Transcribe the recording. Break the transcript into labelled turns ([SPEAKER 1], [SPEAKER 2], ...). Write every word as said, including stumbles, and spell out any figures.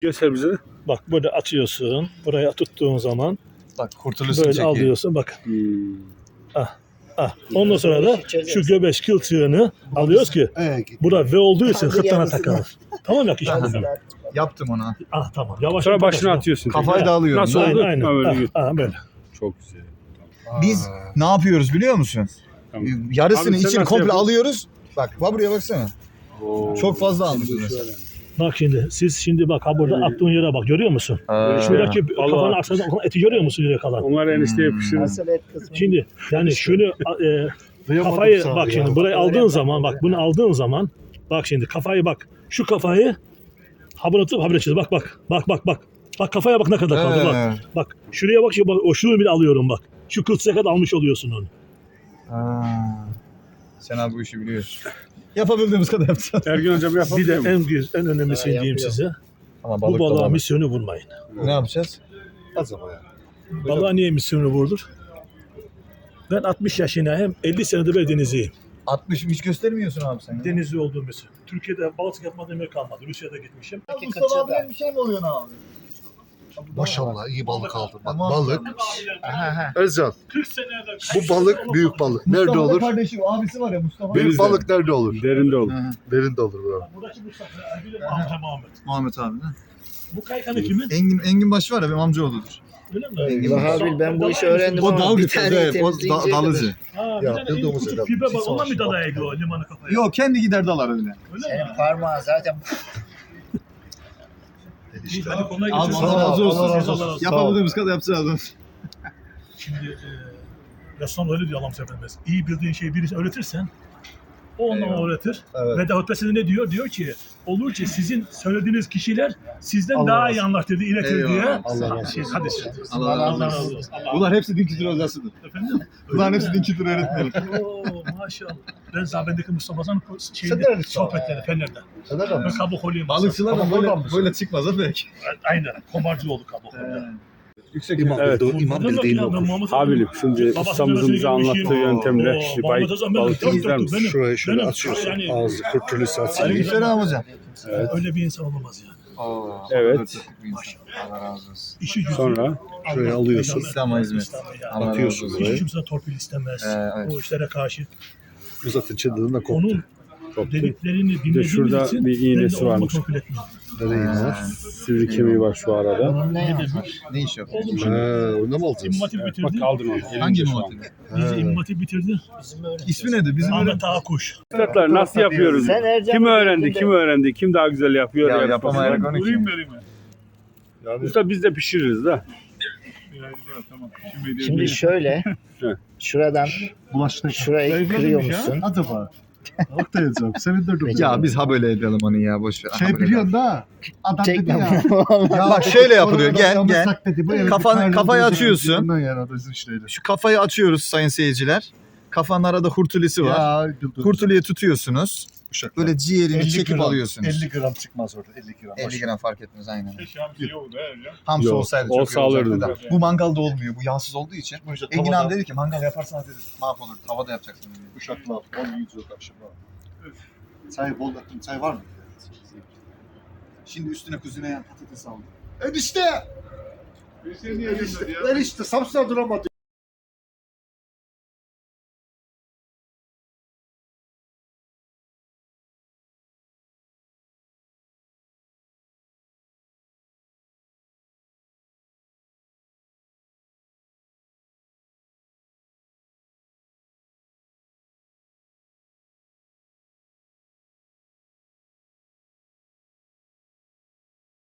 [SPEAKER 1] Göster bize.
[SPEAKER 2] Bak böyle açıyorsun. Buraya tuttuğun zaman
[SPEAKER 3] Bak kurtuluşunu
[SPEAKER 2] böyle
[SPEAKER 3] çekiyor.
[SPEAKER 2] alıyorsun. Bak.
[SPEAKER 1] Hmm.
[SPEAKER 2] Ah. Ah. Ondan sonra da şu göbeş kılçığını alıyoruz ki burada V olduğu için hırtlana takılır. Tamam ya kişi.
[SPEAKER 3] Yaptım onu.
[SPEAKER 2] Ah tamam. Yavaş.
[SPEAKER 1] Sonra
[SPEAKER 2] yavaş,
[SPEAKER 1] başına
[SPEAKER 2] yavaş.
[SPEAKER 1] atıyorsun.
[SPEAKER 3] Kafayı da alıyorum.
[SPEAKER 1] Nasıl
[SPEAKER 3] değil mi?
[SPEAKER 1] oldu?
[SPEAKER 2] Aynen.
[SPEAKER 1] Ha, böyle
[SPEAKER 2] Ah,
[SPEAKER 1] git.
[SPEAKER 2] ah, böyle.
[SPEAKER 1] Çok güzel.
[SPEAKER 3] Biz ne yapıyoruz biliyor musun?
[SPEAKER 1] Tamam.
[SPEAKER 3] Yarısını
[SPEAKER 1] Abi sen
[SPEAKER 3] içini
[SPEAKER 1] nasıl
[SPEAKER 3] komple
[SPEAKER 1] yapıyorsun?
[SPEAKER 3] alıyoruz. Bak bak buraya baksana.
[SPEAKER 1] Oo.
[SPEAKER 3] Çok fazla almışız mesela.
[SPEAKER 2] Bak şimdi siz şimdi bak ha burada
[SPEAKER 1] Evet.
[SPEAKER 2] attığın yere bak görüyor musun? Şuradaki
[SPEAKER 1] Allah.
[SPEAKER 2] kafanın arkasında eti görüyor musun yere kalan?
[SPEAKER 1] Onlar enişte
[SPEAKER 3] Hmm.
[SPEAKER 1] yapıştırır.
[SPEAKER 4] Asıl et kısmı.
[SPEAKER 2] Şimdi yani şunu e, kafayı bak şimdi burayı aldığın zaman bak bunu aldığın zaman bak şimdi kafayı bak şu kafayı habire tutup habire çiz bak bak bak bak bak bak kafaya bak ne kadar kaldı bak
[SPEAKER 3] Evet.
[SPEAKER 2] bak şuraya bak şu bak o şunu bile alıyorum bak şu kılçığa kadar almış oluyorsun onu.
[SPEAKER 3] Aa. Sen abi bu işi biliyorsun. Yapabildiğimiz kadar yapacağız.
[SPEAKER 1] Ergün hocam
[SPEAKER 2] Bir de
[SPEAKER 1] yapabilir mi?
[SPEAKER 2] en güzel en önemlisini diyeyim
[SPEAKER 4] yapıyor.
[SPEAKER 2] size
[SPEAKER 3] Ama
[SPEAKER 2] bu
[SPEAKER 3] balık da
[SPEAKER 2] balığa
[SPEAKER 3] balık.
[SPEAKER 2] misyonu vurmayın.
[SPEAKER 3] Ne yapacağız?
[SPEAKER 2] Balığa niye misyonu vurdur? Ben altmış yaşındayım elli senedir ben denizciyim.
[SPEAKER 3] altmış hiç göstermiyorsun abi sen. Ya.
[SPEAKER 2] Denizli olduğum için. Türkiye'de balık yapmadığım yer kalmadı. Rusya'da gitmişim.
[SPEAKER 3] Mustafa abinin bir şey mi oluyor abi?
[SPEAKER 5] Maşallah iyi balık aldın. Bak
[SPEAKER 3] Tamam.
[SPEAKER 5] balık.
[SPEAKER 3] Aha.
[SPEAKER 5] Özcan
[SPEAKER 2] kırk senede
[SPEAKER 5] bu balık büyük balık. Nerede
[SPEAKER 3] Mustafa'nın
[SPEAKER 5] olur?
[SPEAKER 3] kardeşi, abisi var ya Mustafa.
[SPEAKER 5] Büyük
[SPEAKER 1] Denizde.
[SPEAKER 5] balık nerede olur?
[SPEAKER 1] Derinde olur.
[SPEAKER 3] Hı hı.
[SPEAKER 5] Derinde olur bro.
[SPEAKER 2] Buradaki Mustafa, Erbil'in amca Muhammed.
[SPEAKER 3] Muhammed abi de.
[SPEAKER 2] Bu kaykanı kimin?
[SPEAKER 3] Engin, Engin başı var ya benim amcaoğludur.
[SPEAKER 2] Öyle mi?
[SPEAKER 4] Vahabil ben bu işi öğrendim
[SPEAKER 3] O
[SPEAKER 4] ama
[SPEAKER 3] dalgıç,
[SPEAKER 4] bir tane
[SPEAKER 3] evet, o da,
[SPEAKER 4] temizleyince
[SPEAKER 3] dalıcı.
[SPEAKER 2] Ha,
[SPEAKER 5] Ya,
[SPEAKER 2] bir tane
[SPEAKER 5] bildiğimiz
[SPEAKER 2] küçük
[SPEAKER 5] adam.
[SPEAKER 2] fibe var.
[SPEAKER 5] Siz
[SPEAKER 2] Ondan mı
[SPEAKER 5] savaşın
[SPEAKER 2] dalaya
[SPEAKER 5] bak.
[SPEAKER 2] gidiyor limanı kafaya?
[SPEAKER 3] Yok kendi gider dalar öyle.
[SPEAKER 2] Öyle mi?
[SPEAKER 4] senin parmağın zaten
[SPEAKER 2] İyi, hadi kolay
[SPEAKER 3] Abi
[SPEAKER 2] gelsin.
[SPEAKER 3] Allah razı olsun.
[SPEAKER 2] Allah razı olsun.
[SPEAKER 3] Yapabildiğimiz kadar yapacağız.
[SPEAKER 2] Şimdi e, Resulullah öyle diyor Allah'ım Efendimiz. İyi bildiğin şeyi birisi öğretirsen o ondan
[SPEAKER 3] Eyvallah.
[SPEAKER 2] öğretir.
[SPEAKER 3] Evet.
[SPEAKER 2] Ve Davut Besede ne diyor? Diyor ki olur ki sizin söylediğiniz kişiler sizden
[SPEAKER 5] Allah
[SPEAKER 2] daha
[SPEAKER 5] razı
[SPEAKER 2] iyi anlatır, iletir
[SPEAKER 3] Eyvallah.
[SPEAKER 2] diye.
[SPEAKER 5] Allah
[SPEAKER 2] Ha,
[SPEAKER 5] razı
[SPEAKER 2] şey,
[SPEAKER 5] olsun.
[SPEAKER 2] hadi şey.
[SPEAKER 3] Allah razı
[SPEAKER 2] Allah
[SPEAKER 3] olsun.
[SPEAKER 2] razı olsun. Allah
[SPEAKER 3] Bunlar hepsi din kültürü hocasıdır.
[SPEAKER 2] Efendim?
[SPEAKER 3] Bunların
[SPEAKER 2] Öyle
[SPEAKER 3] hepsi
[SPEAKER 2] mi?
[SPEAKER 3] din kültürü öğretmeni.
[SPEAKER 2] Oo maşallah. Ben Zabendeki Mustafa'nın
[SPEAKER 5] Sen
[SPEAKER 2] şeyinde
[SPEAKER 5] nerelisin?
[SPEAKER 2] sohbetleri Fener'de.
[SPEAKER 5] Sen nereden
[SPEAKER 2] Ben
[SPEAKER 5] misin?
[SPEAKER 2] kabuk olayım.
[SPEAKER 3] Balıkçılar da
[SPEAKER 5] Ama
[SPEAKER 3] böyle,
[SPEAKER 5] oradan mısın?
[SPEAKER 3] böyle çıkmaz ha pek.
[SPEAKER 2] Aynen. Komarcı oldu kabuk.
[SPEAKER 3] Yüksek
[SPEAKER 5] İmam
[SPEAKER 1] Evet.
[SPEAKER 5] bildiği, imam bildiğini okur.
[SPEAKER 1] Habilim şimdi ustamızın bize anlattığı yöntemle bir bay, balık izler misin?
[SPEAKER 5] Şurayı şöyle
[SPEAKER 2] Benim-
[SPEAKER 5] açıyorsun.
[SPEAKER 2] yani-
[SPEAKER 5] Ağzı kurtuluşu açıyor.
[SPEAKER 3] Aleykümselam hocam.
[SPEAKER 1] Evet.
[SPEAKER 2] Öyle bir insan olamaz yani.
[SPEAKER 1] Evet.
[SPEAKER 3] Allah razı olsun.
[SPEAKER 2] İşi gücü.
[SPEAKER 1] Sonra
[SPEAKER 5] Şuraya alıyorsun.
[SPEAKER 3] İslam'a hizmet.
[SPEAKER 2] İslam'a yani.
[SPEAKER 3] Allah razı
[SPEAKER 5] Atıyorsun
[SPEAKER 3] olsun.
[SPEAKER 2] Hiç
[SPEAKER 5] buraya.
[SPEAKER 2] kimse torpil istemez.
[SPEAKER 3] Ee, evet.
[SPEAKER 2] O işlere karşı.
[SPEAKER 5] Bu zaten çıldığında koptu.
[SPEAKER 2] Onun
[SPEAKER 1] koptu.
[SPEAKER 2] dediklerini dinlediğimiz
[SPEAKER 1] şurada
[SPEAKER 2] için
[SPEAKER 1] bir iğnesi
[SPEAKER 2] ben de
[SPEAKER 1] varmış.
[SPEAKER 2] torpil etmiyorum.
[SPEAKER 5] Nereye var?
[SPEAKER 1] Sivri kemiği var şu arada.
[SPEAKER 4] bunun ne
[SPEAKER 2] Ne
[SPEAKER 4] yapmış?
[SPEAKER 2] demiş?
[SPEAKER 3] Ne iş yapıyor?
[SPEAKER 2] Oğlum
[SPEAKER 5] He,
[SPEAKER 2] şimdi
[SPEAKER 5] onu mu alacağız?
[SPEAKER 2] İmmatip
[SPEAKER 1] Evet,
[SPEAKER 2] bitirdi.
[SPEAKER 1] bak kaldın onu.
[SPEAKER 3] Hangi
[SPEAKER 1] Elince şu an.
[SPEAKER 3] muhatip?
[SPEAKER 2] Bizi İmmatip bitirdi.
[SPEAKER 4] Bizim öyle.
[SPEAKER 3] İsmi nedir? Bizim öyle...
[SPEAKER 2] Ahmet Ağakuş.
[SPEAKER 1] Üstadlar nasıl yapıyoruz?
[SPEAKER 4] Sen Ercan
[SPEAKER 1] Kim
[SPEAKER 4] Bey'in
[SPEAKER 1] öğrendi?
[SPEAKER 4] içinde-
[SPEAKER 1] Kim öğrendi? Kim daha güzel yapıyor?
[SPEAKER 3] Ya
[SPEAKER 1] yarışması?
[SPEAKER 3] yapamayarak onu kim?
[SPEAKER 5] Yani
[SPEAKER 1] Usta biz de pişiririz de.
[SPEAKER 4] Şimdi şöyle
[SPEAKER 1] Evet.
[SPEAKER 4] şuradan
[SPEAKER 5] bulaştı.
[SPEAKER 4] şurayı kırıyor musun?
[SPEAKER 5] Acaba. Balık da yazacağım. Sevindirdim.
[SPEAKER 3] Ya biz ha böyle edelim onu ya boş ver. Ha
[SPEAKER 5] Şey
[SPEAKER 3] böyle
[SPEAKER 5] biliyorsun da. Adam dedi
[SPEAKER 4] Çekme.
[SPEAKER 5] ya. Ya
[SPEAKER 3] Bak şöyle yapılıyor. Gel,
[SPEAKER 5] onu
[SPEAKER 3] gel.
[SPEAKER 5] yak dedi, bu evde
[SPEAKER 3] Kafanı-
[SPEAKER 5] bir tane
[SPEAKER 3] kafayı
[SPEAKER 5] oldu,
[SPEAKER 3] açıyorsun.
[SPEAKER 5] ondan yani adamın işleri.
[SPEAKER 3] Şu kafayı açıyoruz sayın seyirciler. Kafanın arada hurtulisi var.
[SPEAKER 5] Ya, dur, dur.
[SPEAKER 3] Kurtuluya tutuyorsunuz.
[SPEAKER 5] Uşak.
[SPEAKER 3] Böyle ciğerini
[SPEAKER 5] elli
[SPEAKER 3] çekip
[SPEAKER 5] gram,
[SPEAKER 3] alıyorsunuz.
[SPEAKER 5] elli gram çıkmaz orada. elli gram.
[SPEAKER 3] elli gram fark etmez aynen.
[SPEAKER 1] Yok.
[SPEAKER 3] Hamsi olsaydı çok
[SPEAKER 1] olsa
[SPEAKER 3] iyi olacaktı
[SPEAKER 1] alırdım.
[SPEAKER 3] da. Bu mangalda olmuyor. Bu yağsız olduğu için.
[SPEAKER 5] İşte
[SPEAKER 3] Engin
[SPEAKER 5] tavada-
[SPEAKER 3] abi dedi ki mangal yaparsanız dedi mahvolur. Tavada yapacaksın dedi.
[SPEAKER 5] Uşaklar, on yüz yok akşam. Çay bol yaptım. Çay var mı?
[SPEAKER 3] Şimdi üstüne kuzineyen patates aldım.
[SPEAKER 5] Enişte! Enişte, Samsun'a duramadı.